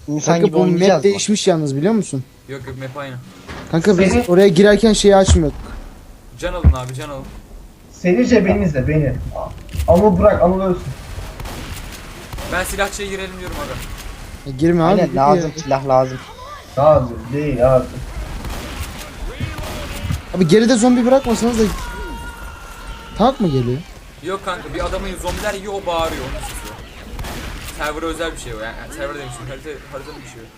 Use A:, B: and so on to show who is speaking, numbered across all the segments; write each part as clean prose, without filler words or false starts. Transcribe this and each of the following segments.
A: İnsan
B: Kanka
A: gibi
B: bu
A: oynayacağız
B: map
A: mı?
B: değişmiş yalnız biliyor musun?
C: Yok yok map aynı.
B: Kanka biz
D: Seni-
B: oraya girerken şeyi açmıyorduk.
C: Can alın abi can alın.
D: Senince beni izle beni. Anıl bırak Anıl ölsün.
C: Ben silahçıya girelim diyorum aga.
B: Girme abi.
A: Aynen
B: gir
A: lazım,
B: ya.
A: silah lazım.
D: Lazım değil abi.
B: Abi geride zombi bırakmasanız da tank mı geliyor?
C: Yok kanka bir adamı zombiler yiyor o bağırıyor onu susuyor. Server'a özel bir şey o yani server demiştim haritanın bir şey o.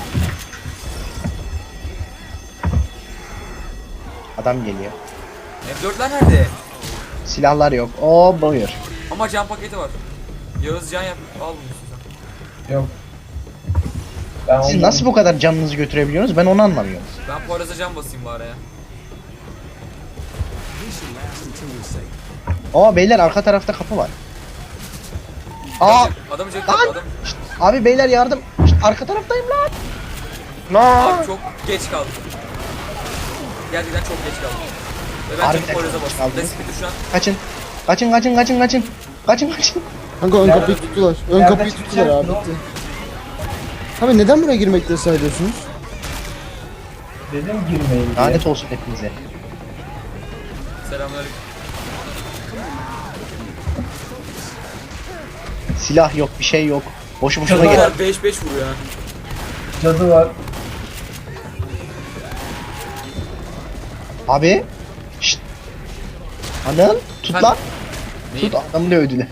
A: Adam geliyor.
C: M4'ler nerede?
A: Silahlar yok. Oo buyur.
C: Ama can paketi var. Yağız can yap al bunu sen.
D: Yok. Ben
A: Siz
D: ondan-
A: nasıl bu kadar canınızı götürebiliyorsunuz? Ben onu anlamıyorum.
C: Ben Poyraz'a can basayım bari ya.
A: Oo beyler arka tarafta kapı var. Aa
C: Adamı çek
A: Lan!
C: adam.
A: abi beyler yardım. Şşt, arka taraftayım lan. Lan.
C: Abi çok geç kaldı. Gerçekten çok geç kaldı. Ve ben
A: Harbiden
C: çabuk Poyraz'a
A: çok geç
C: bastım.
A: kaldınız.
C: Despiti şu an.
A: Kaçın. Kaçın kaçın kaçın kaçın. Kaçın kaçın.
B: Kanka ön
D: Nerede?
B: kapıyı tuttular. Ön
D: Nerede
B: kapıyı tuttular
D: çıkacak?
B: abi. Bitti. Abi neden buraya girmekte ısrar ediyorsunuz?
D: Dedim girmeyin diye.
A: Lanet olsun hepinize.
C: Selamünaleyküm.
A: Silah yok bir şey yok. Boşu boşuna
D: Cadı
A: gel.
D: var.
C: Bunlar 5-5 vuruyor ha.
D: Cadı var.
A: Abi. Şşt. Anıl tut
C: Ben-
A: lan.
C: Neyi?
A: Tut adamı dövdüler.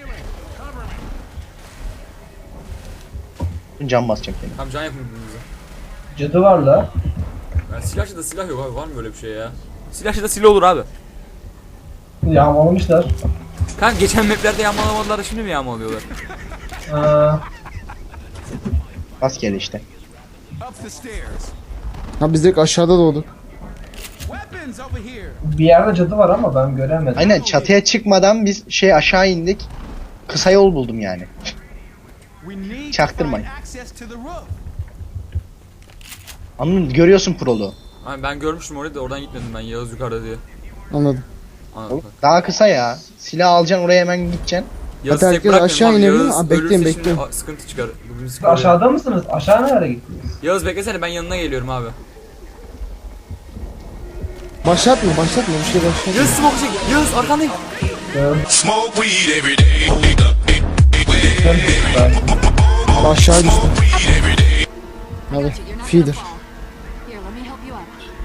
A: Can basacağım seni.
C: Tamam can yapın birbirinize.
D: Cadı var la.
C: Yani silahçıda silah yok abi var mı böyle bir şey ya? Silahçıda silah olur abi.
D: Yağmalamışlar.
C: Kanka geçen maplerde yağmalamadılar da şimdi mi yağmalıyorlar?
D: Ha,
A: Rastgele işte.
E: Up the stairs.
B: Ha biz direkt aşağıda doğduk.
E: Weapons over here.
D: bir yerde cadı var ama ben göremedim.
A: Aynen çatıya çıkmadan biz aşağı indik. Kısa yol buldum yani.
E: We need to
A: Çaktırmayın.
E: find access to the roof.
A: Anladın görüyorsun prolu.
C: Hani ben görmüştüm orayı da oradan gitmedim ben Yağız yukarıda diye.
B: Anladım.
C: Anladım.
A: Daha kısa ya. Silah alacaksın oraya hemen gideceksin.
C: Yağız'ı
B: Hadi
C: tek
B: herkes
C: bırakmayalım
B: aşağı
C: abi,
B: inebilir mi?
C: Yağız
B: Abi bekleyin,
C: ölürse şimdi
B: bekleyin.
C: sıkıntı çıkar. Bugün
D: Siz
C: sıkıntı.
D: aşağıda mısınız? Aşağı nereye gittiniz?
C: Yağız beklesene ben yanına geliyorum abi.
B: Başlatma başlatma bir şey başlatma.
C: Yağız smoke çek. Yağız arkandayım.
F: Smoke weed every day.
B: Abi aşağı düştüm. Hadi feeder.
G: Here, let me help you out.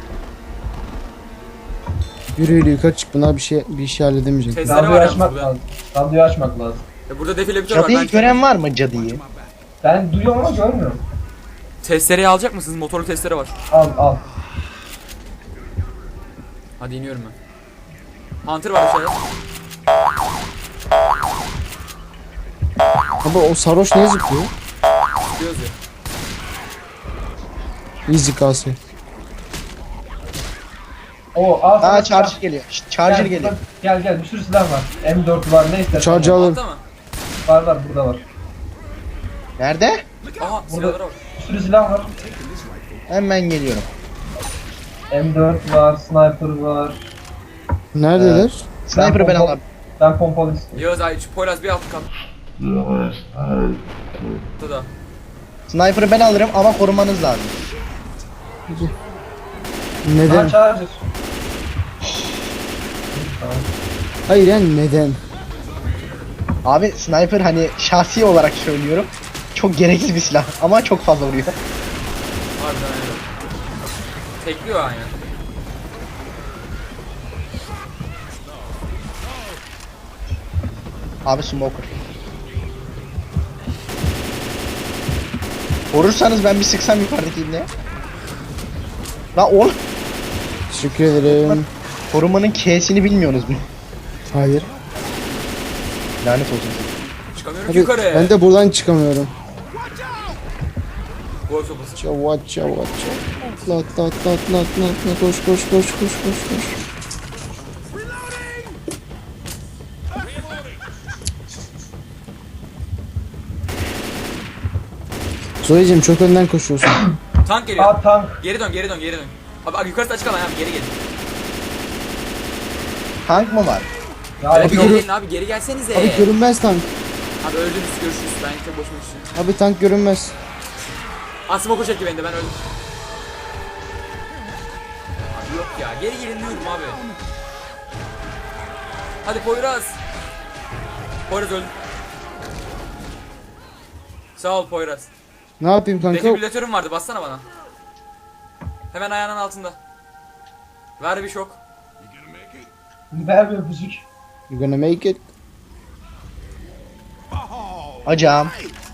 B: Yürü yürü yukarı çık buna bir şey halledemeyecek.
C: Testere
D: Radyoyu
C: var yalnız
D: açmak
C: burada.
D: lazım. Radyoyu açmak lazım.
C: Burada defibrilatör var.
A: Cadıyı
C: Ben
A: gören var mı cadıyı?
D: Ben duyuyorum ama görmüyorum.
C: testereyi alacak mısınız? Motorlu testere var.
D: Al al.
C: Hadi iniyorum ben. Hunter var aşağıda.
B: Abi o sarhoş niye zıplıyor?
C: Gidiyoruz ya.
B: Easy kalsın.
D: O al sana
A: Aa
D: silah.
A: charger geliyor. Şşt, charger
D: Gel,
A: geliyor.
D: Gel gel bir sürü silah var. M4 var ne istersen.
B: Charger alırım.
C: Altta mı?
D: Var burada var.
A: Nerede?
C: Aha silahlara bak.
D: Bir sürü silah var.
A: Hemen geliyorum.
D: M4 var, sniper var.
B: Neredeler?
A: Sniper'ı ben alayım.
D: Ben pompalı istiyorum.
C: Yağız ay şu Poyraz bir alt kat. Burada.
A: Sniper'ı ben alırım ama korumanız lazım.
B: Neden?
D: Charger.
B: Hayır yani neden?
A: Abi sniper hani şahsi olarak söylüyorum. Çok gereksiz bir silah ama çok fazla vuruyor.
C: Harbiden öyle. Tekliyor aynen.
A: Abi smoker. Korursanız ben bir sıksam yukarıdaki ibneye. La oğlum
B: Teşekkür ederim.
A: korumanın K'sini bilmiyorsunuz mu?
B: Hayır.
A: Lanet olsun.
C: Çıkamıyorum
B: Hadi
C: yukarı.
B: ben de buradan çıkamıyorum.
C: Gol sopası.
B: Çavat çavat çavat. Atla atla atla atla atla atla. Koş koş koş koş koş koş. Zoe'cim çok önden koşuyorsun.
C: Tank geliyor.
D: Aa tank.
C: Geri dön geri dön geri dön. Abi yukarısı açık alan abi geri gelin.
A: Tank mı var?
D: Ya
C: Abi
B: Abi
C: geri
B: görün-
C: gelin abi geri gelsenize.
B: Abi görünmez tank.
C: Abi öldünüz görüşürüz ben tek boşuma düştüm.
B: Abi tank görünmez.
C: Smoke'u çekti beni de, ben öldüm. Abi yok ya, geri gelin diyorum abi. Hadi Poyraz. Poyraz öldü. Sağ ol Poyraz.
B: Ne yapayım kanka?
C: Defibrilatörüm vardı, bassana bana. Hemen ayağının altında. Ver bir şok.
D: Ver bir öpücük.
B: You gonna make it?
A: Hocam.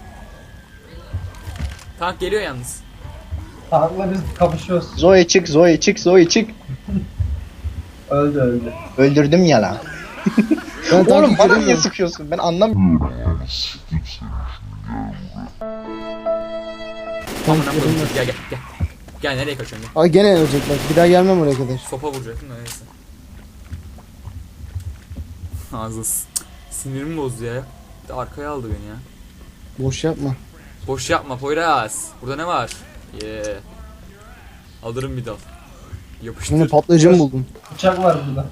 C: Tank geliyor yalnız.
D: Tankla biz kapışıyoruz.
A: Zoe çık, Zoe çık, Zoe çık.
D: Öldü.
A: Öldürdüm ya lan.
B: Ben tankı
A: Oğlum bana niye
B: göremiyorum.
A: sıkıyorsun? Ben anlamıyorum.
B: Tank
C: Gel
B: göremiyorum.
C: gel gel. Gel nereye kaçıyorsun? Gel.
B: Aa gene ölecek bak. Bir daha gelmem oraya kadar.
C: Sopa vuracaktım da neyse. Ağzı sinirimi bozdu ya. Bir de arkaya aldı beni ya.
B: Boş yapma.
C: Boş yapma Poyraz. Burada ne var? Alırım bir dal. Yapıştır.
B: Şimdi patlayıcı mı buldun?
D: Bıçak var burada.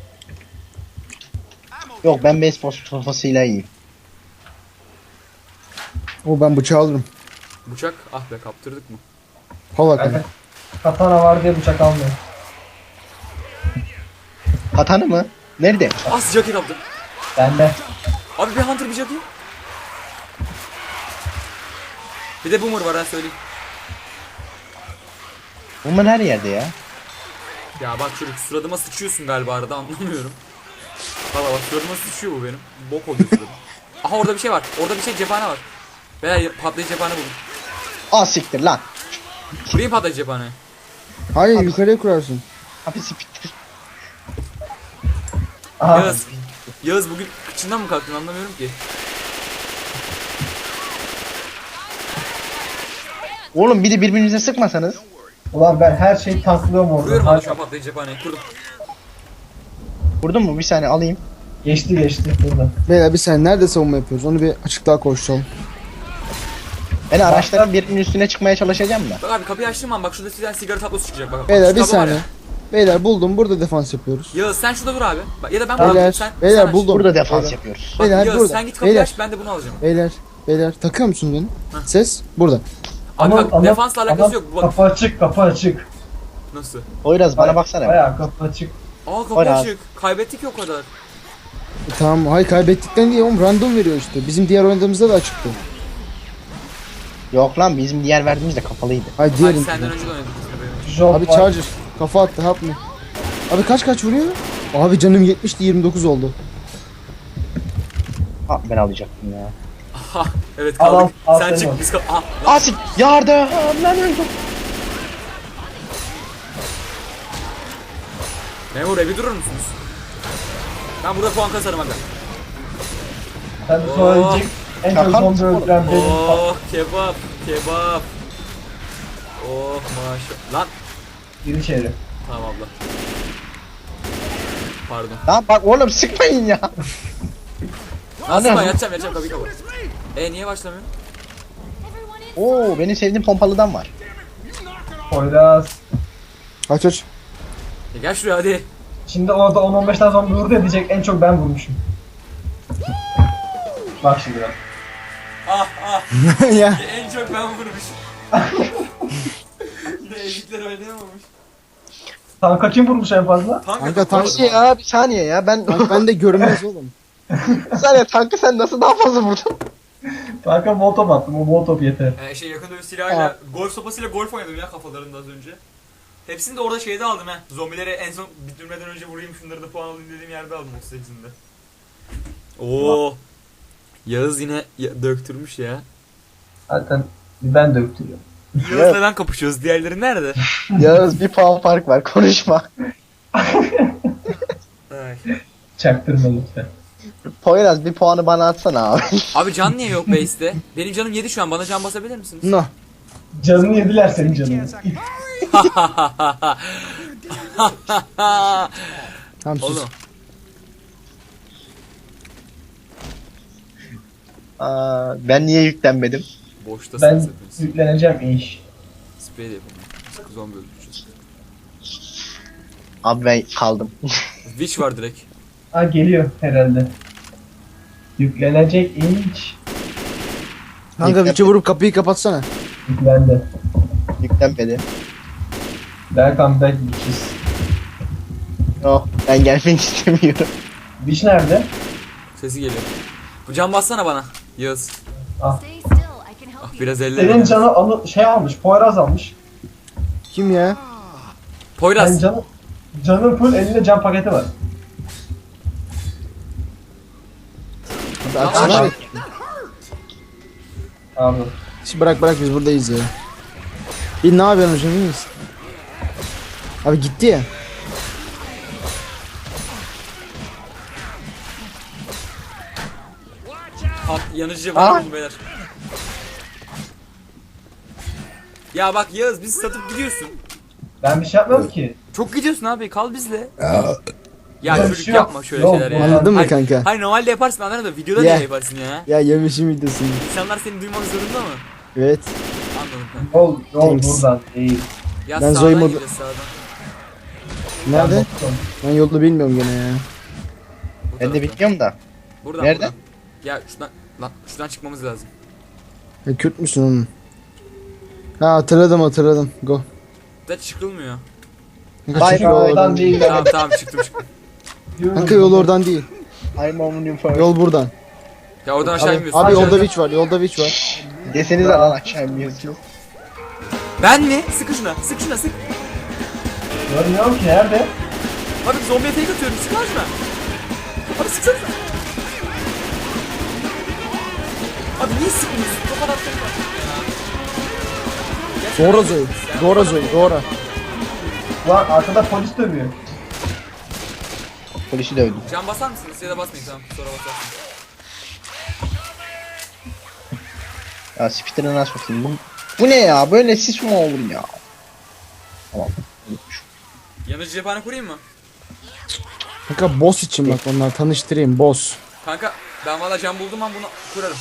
A: Yok ben beyzbol sopasıyla iyiyim.
B: O ben bıçağı alırım.
C: Bıçak. Ah be, kaptırdık mı?
B: Hala
D: Kanka,
B: kanka.
D: katana var diye bıçak almıyor.
A: Katanı mı? Nerede?
C: Ah, sıcak kaptım.
D: Bende.
C: Abi bir Hunter bir Jackie. Bir de Boomer var, ha söyleyeyim.
A: Bunlar her yerde ya.
C: Ya bak çocuk, suratıma sıçıyorsun galiba arada, anlamıyorum. Valla bak, suratıma sıçıyor bu benim. Bok oluyor suradım. Aha orada bir şey var. Orada bir şey, cephane var. Veya patlayıcı cephane buldum.
A: Aa siktir lan.
C: Kurayım patlayıcı cephane.
B: Hayır yukarıya kurarsın.
A: Hapis siktir.
D: Aha.
C: Yağız. Yağız bugün kıçından mı kalktın, anlamıyorum ki.
A: Oğlum bir de birbirinize sıkmasanız.
D: Ulan ben her şeyi tanklıyorum orada.
C: Kuruyorum hadi şu an patlayıcı cephaneyi. Kurdum.
A: Vurdun mu? Bir saniye alayım.
D: Geçti burada.
B: Beyler bir saniye nerede savunma yapıyoruz? Onu bir açıklığa koşalım.
A: Ben araçların birinin üstüne çıkmaya çalışacağım da.
C: Bak abi, kapıyı açtığım an bak şurada sizden sigara tablosu çıkacak bak.
B: Beyler
C: Şu
B: bir
C: tablo var
B: saniye.
C: ya.
B: Beyler buldum. Burada defans yapıyoruz.
C: Yağız sen şurada dur abi. Bak, ya da ben
B: Beyler,
C: bunu sen
B: beyler
C: aç.
B: buldum.
A: Burada defans
B: Beyler.
A: yapıyoruz.
C: Bak,
B: Beyler,
C: Yağız
B: burada.
C: sen git kapıyı
B: Beyler.
C: aç, ben de bunu alacağım.
B: Beyler takıyor musun beni? Ses burada.
C: Abi bak, defansla alakası yok. Bak
D: Kapı açık.
C: nasıl?
A: Poyraz bana baksana.
D: Bayağı kapı açık.
C: Aa kapı
A: Poyraz.
C: açık. Kaybettik ya o kadar.
B: Tamam hayır kaybettikten diye oğlum random veriyor işte. Bizim diğer oynadığımızda da açıktı.
A: Yok lan bizim diğer verdiğimiz de kapalıydı.
B: Hayır
C: Hadi
B: diğerin.
C: senden önce de oynadık.
D: Job
B: Abi
D: var.
B: charger. Kafa attı hap mı? Abi kaç vuruyor? Abi canım 70'ti 29 oldu.
A: Ha ben alacaktım ya.
C: Aha evet
D: Al,
C: kaldık.
D: al,
C: Sen
D: sen
C: çık
D: al.
C: biz kal. Aha.
A: Asik yardım lan öldüm.
C: Memur bir durur musunuz? Ben burada puan kasarım aga.
D: Sen de sonra
C: Oh.
D: ölecek. En çok
A: Şaka mısın
D: zombi öldüren benim.
C: Oh kebap kebap. Oh maşallah. Lan
D: Gir içeri.
C: tamam abla. Pardon.
A: Lan bak oğlum sıkmayın ya.
C: Nasıl
A: Anam.
C: ben yatacağım kapıyı kapat. Niye başlamıyor?
A: Oo benim sevdiğim pompalıdan var.
D: Poyraz.
B: Aç.
C: Gel şuraya hadi.
D: Şimdi orada 10-15 tane zombi vurdu ya, diyecek en çok ben vurmuşum. Bak şimdi bak.
B: Ya.
C: En çok ben vurmuşum. Yine elikler oynayamamış.
D: Tanka kim vurmuş en fazla?
B: Kanka tank
A: Bir şey ya bir saniye ya ben
B: ben de görünmez oğlum.
A: bir saniye tankı sen nasıl daha fazla vurdun?
D: Tanka molotov attım, o molotov yeter.
C: Yakın dövüş silahıyla, golf sopasıyla golf oynadım ya kafalarında az önce. Hepsini de orada şeyde aldım ha. Zombileri en son bitirmeden önce vurayım, şunları da puan alayım dediğim yerde aldım 38'inde. Oo. Yağız yine döktürmüş ya.
D: Zaten ben döktürüyorum.
C: Yağız'la ben kapışıyoruz. Diğerleri nerede?
A: Yağız bir puan fark var konuşma.
C: Ay.
D: Çaktırma lütfen.
A: Poyraz bir puanı bana atsana abi.
C: Abi can niye yok base'te? Benim canım 7 şu an. Bana can basabilir misiniz?
B: No.
D: Canını yediler senin canını.
B: Tamam sus.
C: Oğlum.
A: Aa, ben niye yüklenmedim?
C: Boştasınız
D: Ben
C: hepiniz.
D: yükleneceğim iş.
C: Sprey de yapalım. Sıkı zombi öldüreceğiz.
A: Abi ben kaldım.
C: Witch var direkt.
D: Ha geliyor herhalde. Yüklenecek iş.
B: Kanka bir vurup kapıyı kapatsana.
D: Yüklendi.
A: Yüklenmedi.
D: Welcome back bitches.
A: Yok ben gelmek istemiyorum.
D: Biş nerede?
C: Sesi geliyor. Bu can bassana bana. Yağız.
G: Stay still. I can help you.
C: Biraz elle.
D: Senin canı şey almış, Poyraz almış.
B: Kim ya?
C: Poyraz.
D: Yani canın full, elinde can paketi var.
B: Abi açsana.
D: Abi.
B: Şimdi bırak biz buradayız ya. Bir ne yapıyorsun hocam, iyi misin? Abi gitti ya.
C: Yanıcı var mı beyler? Ya bak Yağız bizi satıp gidiyorsun.
D: Ben bir şey yapmadım ki.
C: Çok gidiyorsun abi kal bizle. Ya
D: Yok,
C: çocuk
D: yok.
C: yapma şöyle
D: Yok,
C: şeyler ya.
B: anladın mı
C: Hayır-
B: kanka?
C: Hayır normalde yaparsın anladın da videoda
B: Ya.
C: niye yaparsın ya?
B: Ya yemişim videosunu.
C: İnsanlar seni duymak zorunda mı?
B: Evet.
C: Anladım kanka.
D: Yol
B: Thanks.
D: buradan değil.
C: Ya
B: Ben
C: sağdan
B: Zoe mod-
C: gideceğiz sağdan.
B: Nerede?
D: Boston.
B: Ben yolu bilmiyorum gene ya.
C: Bu
A: Ben
C: taraftan.
A: de bilmiyorum da.
C: Buradan,
A: Nereden?
C: buradan. Ya şuradan çıkmamız lazım.
B: Ya Kürt müsün oğlum? Ha hatırladım. Go.
C: Da çıkılmıyor.
B: Kanka,
A: Bye
B: çık yol
A: bye.
B: oradan
D: Oradan
B: değil.
D: değil.
C: Tamam çıktım.
B: Kanka yol oradan değil.
A: I'm only for.
B: Yol buradan.
C: Ya oradan aşağı
B: Abi,
C: inmiyorsun.
B: abi
C: Aşağı
B: yolda
C: inmiyorsun.
B: witch var. Yolda witch var.
A: Desenize lan aşağı inmiyorsunuz.
C: Ben mi? Sıkı şuna sık.
D: Görmüyorum ki nerede?
C: Abi zombiye tek atıyorum sık lan şuna. Abi sıksana. Abi niye sıkmıyorsun? O kadar tek var.
B: Dora Zoe. Dora.
D: Ulan arkada polis dövüyor.
A: Polisi dövdüm.
C: Can basar mısınız ya da basmayın tamam sonra basarsın.
A: Ya spitter'ı nasıl bakayım? Bu ne ya? Böyle sis mi olur ya? Tamam. Unutmuş.
C: Yanıcı cephane kurayım mı?
B: Kanka boss için bak, onlar tanıştırayım, boss.
C: Kanka ben valla can buldum ben bunu kurarım.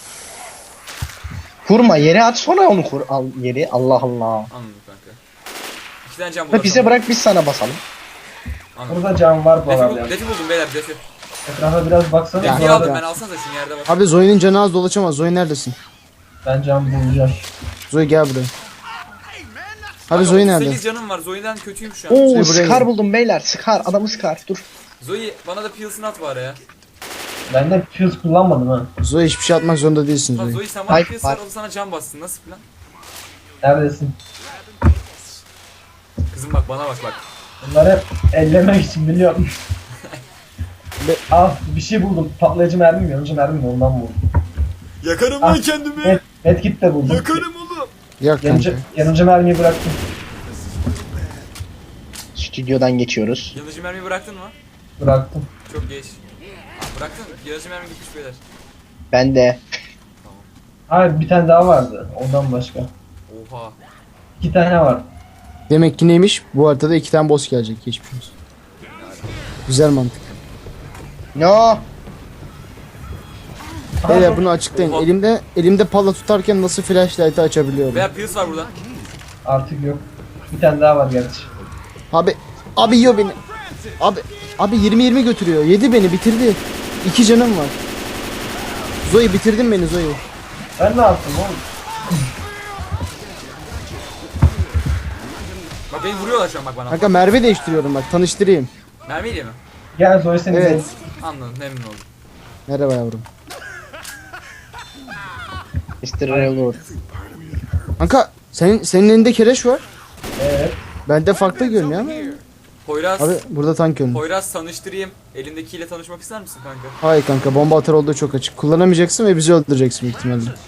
A: Kurma yere at sonra onu kur. Al yeri. Allah Allah.
C: Anladım kanka. 2 tane can
A: Ha,
C: buldum.
A: bize bırak biz sana basalım.
C: Anladım.
D: Burada can var bu arada.
C: Defi buldum beyler defi.
D: Etrafa biraz baksana.
B: Ya.
C: Defiyi aldım
B: ya.
C: ben alsanıza şunu yerde bak.
B: Abi Zoe'nin canı az dolaşamaz. Zoe neredesin?
D: Ben can bulacağım.
B: Zoe gel buraya. Abi Zoe nerede?
C: 8 canım var Zoe'den kötüyüm şu an.
A: Oo
B: buraya
A: Scar
B: gel.
A: buldum beyler. Scar. Adamı Scar. Dur.
C: Zoe bana da Pils'ını at bari ya.
D: Ben de fuse kullanmadım ha.
B: Zoe hiçbir şey atmak zorunda değilsin
C: Ha
B: Zoe.
C: Zoe sen bana
A: Hayır,
C: Pils'ı
A: hayır.
C: ver o sana can bassın nasıl plan?
D: Neredesin?
C: Kızım bak bana bak.
D: Bunları hep ellemek için biliyorum. Bir şey buldum. Patlayıcı mermi mi? Yanıcı mermi mi? Ondan buldum.
C: Yakarım
D: Ah,
C: lan kendimi.
D: Medkit de buldum.
C: Yakarım oğlum.
B: Yak kanka.
D: Yanıcı mermiyi bıraktım.
A: Stüdyodan geçiyoruz.
C: Yanıcı mermiyi bıraktın mı?
D: Bıraktım.
C: Çok geç. Bıraktın mı? Yanıcı mermi gitmiş beyler.
A: Ben de.
D: Hayır bir tane daha vardı. Ondan başka.
C: Oha.
D: 2 tane var.
B: Demek ki neymiş? Bu haritada 2 tane boss gelecek. Geçmiş olsun. Güzel mantık.
A: No.
B: Beyler bunu açıklayın.
C: Oha.
B: Elimde palla tutarken nasıl flashlight'ı açabiliyorum?
C: Veya Pils var burada.
D: Artık yok. Bir tane daha var gerçi.
B: Abi yiyor beni. Abi 20-20 götürüyor. Yedi beni, bitirdi. 2 canım var. Zoe bitirdin beni Zoe.
D: Ben ne yaptım oğlum?
C: Bak beni vuruyorlar şu an bak bana.
B: Kanka merve değiştiriyorum bak, tanıştırayım.
C: Mermiyle mi?
D: Gel Zoe seni
B: Evet.
C: Anladım memnun oldum.
B: Merhaba yavrum.
A: Mr. Reload.
B: Kanka senin elinde kereş var.
D: Evet.
B: Bende farklı görünüyor ama.
C: Poyraz.
B: Abi burada tank görünüyor.
C: Poyraz tanıştırayım. Elindekiyle tanışmak ister misin kanka?
B: Hayır kanka, bomba atar olduğu çok açık. Kullanamayacaksın ve bizi öldüreceksin büyük ihtimalle.
C: Anladım.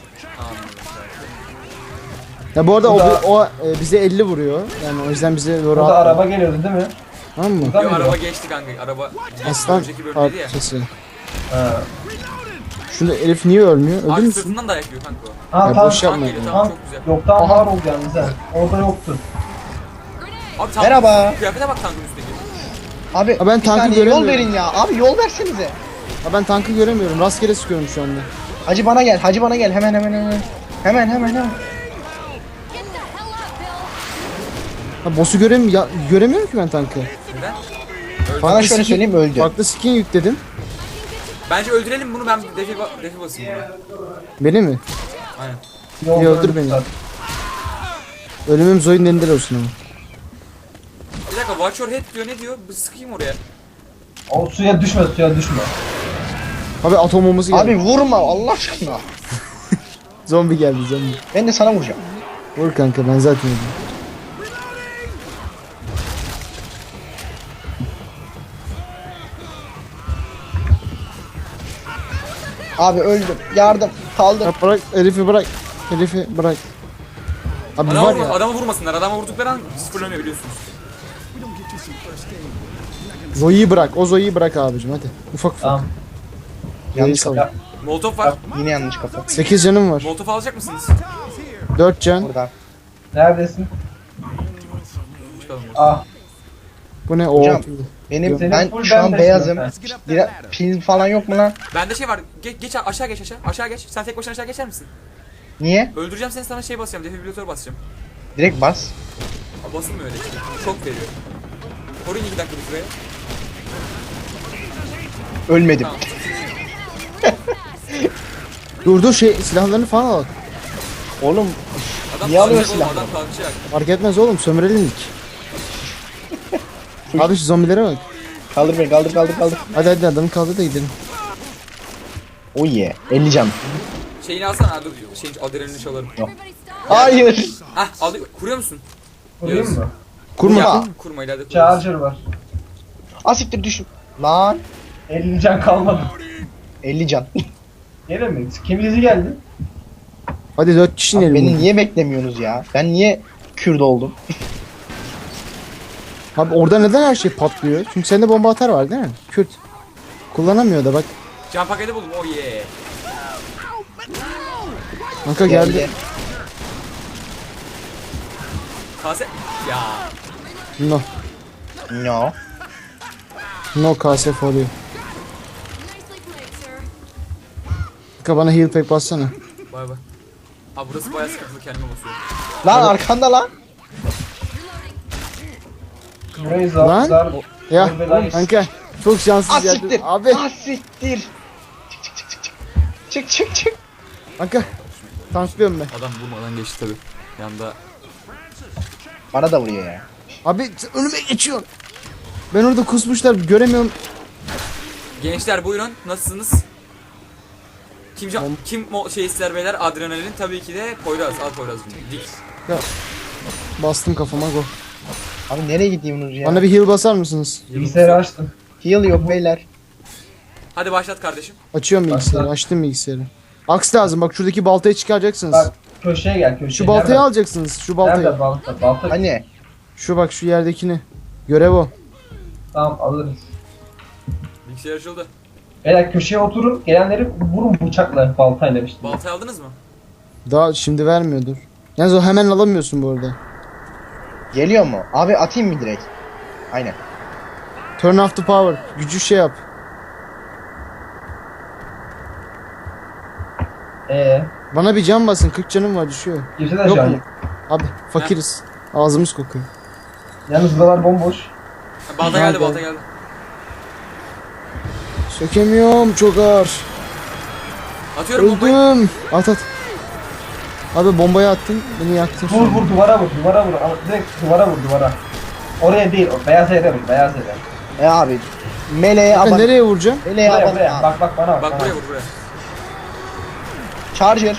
B: Ya bu arada
D: Bu da-
B: o bize 50 vuruyor. Yani o yüzden bize doğru
D: Burada
B: atma.
D: araba geliyordu değil mi?
B: Tamam mı?
D: Burada
C: Yo,
D: mıydı?
C: araba geçti kanka. Araba
B: Aslan
C: önceki bölümdeydi ya.
B: parçası.
D: Ha.
B: Şunu Elif niye ölmüyor? Öldü
C: Abi
B: müsün?
C: sırtından dayak yiyor kanka o.
D: Ha
B: Ya
D: tam,
B: boş yapma.
C: Tank geliyor
B: ya.
C: tamam
D: tam
C: çok güzel.
D: yok tam var oldu yalnız ha. Orada yoktu.
C: Abi tank,
A: Merhaba.
C: kıyafete bak tankın üstteki.
A: Abi
B: Ha, ben
A: bir
B: tankı
A: saniye yol
B: göremiyorum.
A: verin ya. Abi yol versenize.
B: Ha, ben tankı göremiyorum. Rastgele sıkıyorum şu anda.
A: Hacı bana gel. Hacı bana gel. Hemen. Hemen.
G: Get the hell up, Bill.
B: Ha, boss'u göremiyorum ki ben tankı.
C: Neden?
A: Bana şöyle söyleyeyim öldü.
B: Farklı skin yükledim.
C: Bence öldürelim bunu ben defi basayım buna.
B: Beni mi?
C: Aynen.
D: Yolda
B: İyi, öldür
D: öldü
B: beni.
D: zaten.
B: Ölümüm Zoe'nin elinde olsun ama.
C: Bir dakika watch your head diyor, ne diyor? Bir sıkayım oraya.
D: O suya düşme, suya düşme.
B: Abi atom bombası geldi.
A: Abi vurma Allah aşkına.
B: Zombi geldi zombi.
A: Ben de sana vuracağım.
B: Vur kanka ben zaten öldüm.
A: Abi öldüm. Yardım. Kaldım.
B: Ya bırak herifi bırak. Herifi bırak. Abi var ya.
C: Adamı vurmasınlar. Adama vurdukları an sıfırlanıyor biliyorsunuz.
B: Zoe'yi bırak. O Zoe'yi bırak abicim hadi. Ufak ufak.
D: Tamam.
A: Yanlış
B: Zoe'yi
A: kafa.
B: sal.
C: Molotov var.
A: Yine yanlış kafa.
B: 8 canım var.
C: Molotov alacak mısınız?
B: 4 can.
A: Burada.
D: Neredesin?
C: Çıkalım.
D: Ah.
B: Bu ne? Oo.
A: Hocam. Benim
D: Senin
A: ben
D: full
A: şu an
D: ben
A: beyazım.
D: besliyorum
A: Bir pil falan yok mu lan?
C: Bende şey var. Geç aşağı geç aşağı. Aşağı geç. Sen tek başına aşağı geçer misin?
A: Niye?
C: Öldüreceğim seni, sana şey basacağım. Defibrilatör basacağım.
A: Direkt bas.
C: Aa, basılmıyor öyle işte. Şok veriyor. Koruyun 2 dakika bir süre.
A: Ölmedim.
C: Tamam.
B: Dur şey silahlarını falan al.
A: Oğlum
C: Adam
A: Niye alıyor
C: kalkacak oğlum,
A: silahları?
C: adam kalkacak.
B: Fark etmez oğlum sömürelim ilk. Abi şu zombilere bak.
A: kaldır beni, kaldır kaldır kaldır.
B: Hadi adamı kaldır da gidelim.
A: Oh yeah. 50 can.
C: Şeyini alsana. Ha, dur. Şeyin adrenalini çalarım.
G: Everybody stop.
A: Hayır.
C: Hah alıyor. Kuruyor musun?
D: Kurayım mı?
B: Kurma.
A: Ya.
C: Kurma ileride kururuz.
D: Charger var.
A: Asiktir düşün. Lan.
D: 50 can kalmadı.
A: 50 can.
D: Gene mi? Kim izi geldi?
B: Hadi 4 kişi
A: Abi
B: inelim.
A: beni niye beklemiyorsunuz ya? Ben niye Kürt oldum?
B: Abi orada neden her şey patlıyor? Çünkü sende bomba atar var değil mi? Kürt. Kullanamıyor da bak.
C: Can paketi buldum. Oh yeah.
B: Kanka geldi.
C: Kase. Ya.
B: No.
A: No.
B: No kase for you.
G: Nicely played, sir.
B: Kanka bana heal pack bassana.
C: Bay bay. Abi burası bayağı sıkıntılı, kendime basıyorum.
A: Lan arkanda lan.
D: Burayı
B: Lan.
D: zar.
B: Ya
D: Oğlum,
B: kanka çok şanssız geldin.
A: Asiktir.
B: Abi
A: Asiktir. Çık çık çık çık. Çık çık çık.
B: kanka tanklıyorum ben.
C: Adam vurmadan geçti tabi. Yanda.
A: Bana da vuruyor ya.
B: Abi sen önüme geçiyorsun. Ben orada kusmuşlar göremiyorum.
C: Gençler buyurun. Nasılsınız? Kim şey ister beyler? Adrenalin tabii ki de Poyraz. Al Poyraz'cığım. Dik.
B: Bastım kafama go.
A: Abi nereye gidiyorsunuz ya?
B: Bana bir heal basar mısınız?
D: Bilgisayarı açtım.
A: Heal yok beyler.
C: Hadi başlat kardeşim.
B: Açıyorum bilgisayarı. Açtım bilgisayarı. Aks lazım bak şuradaki baltayı çıkaracaksınız.
D: Bak köşeye gel köşeye.
B: Şu baltayı
D: Nerede?
B: alacaksınız. Şu baltayı.
D: Nerede balta? Balta.
A: Hani?
B: Şu bak şu yerdekini. Görev o.
D: Tamam alırız.
C: Bilgisayar açıldı.
D: Beyler köşeye oturun. Gelenleri vurun bıçakla baltayla işte.
C: Baltayı aldınız mı?
B: Daha şimdi vermiyordur. Yalnız o hemen alamıyorsun bu arada.
A: Geliyor mu? Abi atayım mı direkt? Aynen.
B: Turn off the power. Gücü şey yap. Bana bir can basın. 40 canım var düşüyor.
D: Kimse de
B: Yok
D: şu an.
B: mu? Abi fakiriz. Ağzımız kokuyor.
D: Yalnız buralar bomboş.
C: Ha, balta geldi,
B: Nerede?
C: balta geldi.
B: Sökemiyorum çok ağır.
C: Atıyorum bombayı.
B: Öldüm. At at. Abi bombayı attın. Beni yaktın.
D: Vur vur duvara vur duvara vur. Al, direkt duvara vur duvara. Oraya değil o beyaz yere vur beyaz yere.
A: Abi. Meleğe
B: Kanka
A: aban.
B: nereye vuracağım?
A: Meleğe
D: Buraya
A: aban.
D: buraya bak bak bana bak.
C: Bak
D: bana.
C: buraya vur buraya.
A: Charger.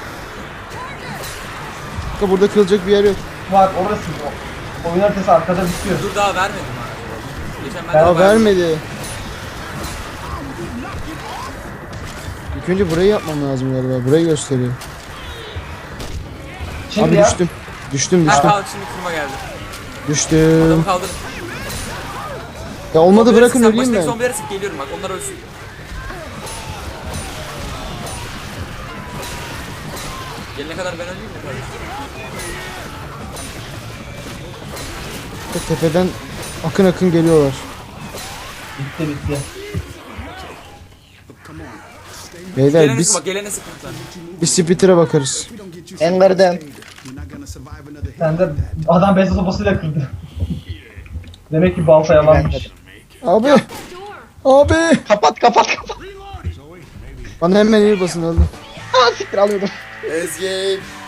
B: Kanka burada kılacak bir yer yok.
D: Bak orası o. Oyun haritası arkada bitiyor.
C: Dur daha vermedim ha. Geçen ben
D: Ya
C: daha
B: Ya vermedi. İlk önce burayı yapmam lazım galiba. Burayı gösteriyor.
D: Şimdi
B: Abi
D: ya.
B: düştüm. Düştüm
C: Ha
B: düştüm.
C: kalk, şimdi kurma geldi.
B: Düştüm.
C: Adamı kaldırın.
B: Ya olmadı
C: Zombileri
B: bırakın
C: sık, sen
B: öleyim
C: başındaki
B: ben.
C: zombileri sık, geliyorum bak, onlar ölsün. Gelene kadar ben öleyim mi kardeşim?
B: Bak, tepeden akın akın geliyorlar.
D: Bitti bitti.
B: Beyler
C: Gelene sık
B: biz
C: bak, gelene sık lütfen.
B: bir splitter bakarız.
A: En kırdım.
D: Sen de adam beyaz sopasıyla kırdı. Demek ki balta yalanmış.
B: Abi.
G: Door.
B: Abi.
A: Kapat kapat kapat.
B: Bana hemen el basın aldım.
A: Aa siktir alıyordum.
C: Ezgi.